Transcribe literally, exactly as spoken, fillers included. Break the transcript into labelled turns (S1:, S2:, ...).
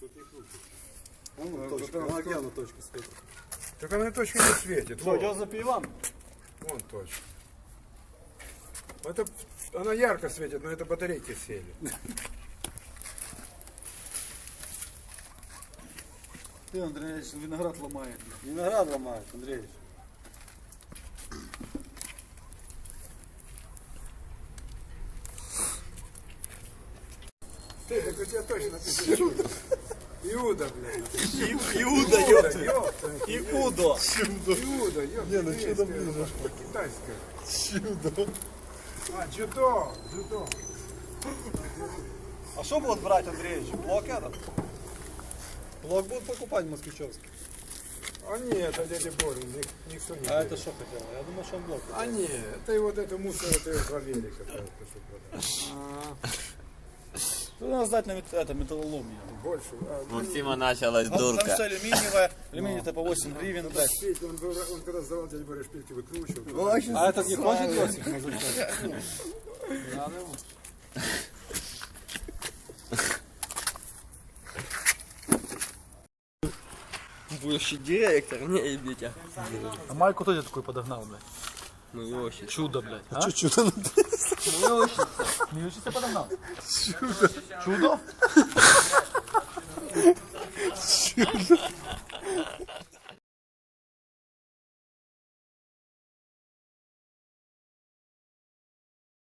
S1: Тут не крутится. Вон точка, вон океану точка светит.
S2: Так она точка не светит.
S1: Что, идет за пивом?
S2: Вон точка. Это, она ярко светит, но это батарейки сели.
S3: Ты, Андрей, виноград ломает.
S1: Виноград ломает, Андреевич.
S2: Ты, так у тебя точно написано. Иуда, блядь.
S3: Иуда,
S2: ёпта.
S3: Иуда.
S2: Иуда, ёпта.
S1: Не, ну что там ближе?
S2: Китайская.
S1: Чудо.
S2: А, джудо, джудо.
S1: А что будут брать, Андреевич? Блок этот? Блок будут покупать москвичевский.
S2: А нет, это дядя Боря, ник- никто не
S1: А
S2: берет.
S1: это что хотел? Я думал, что он блок.
S2: А нет, это и вот это мусор, это и два велика. это, что
S3: Тут надо сдать на мет- это, металлолом.
S2: Больше. А,
S4: У Максима началась
S3: Там, там
S4: дурка.
S3: все алюминиевое, алюминий-то по восемь гривен.
S2: надо шпильки, он, был- он когда сдавал дядя Боря шпильки выкручивал.
S1: А этот не хочет Йосиф?
S4: Будущий директор, не ебите.
S5: А майку кто тебе такой подогнал, блядь?
S4: Мы очень.
S5: Чудо, блядь. А?
S1: Чудо.
S4: Мы очень.
S5: Миючица подогнал? Чудо. Чудо?
S1: Чудо.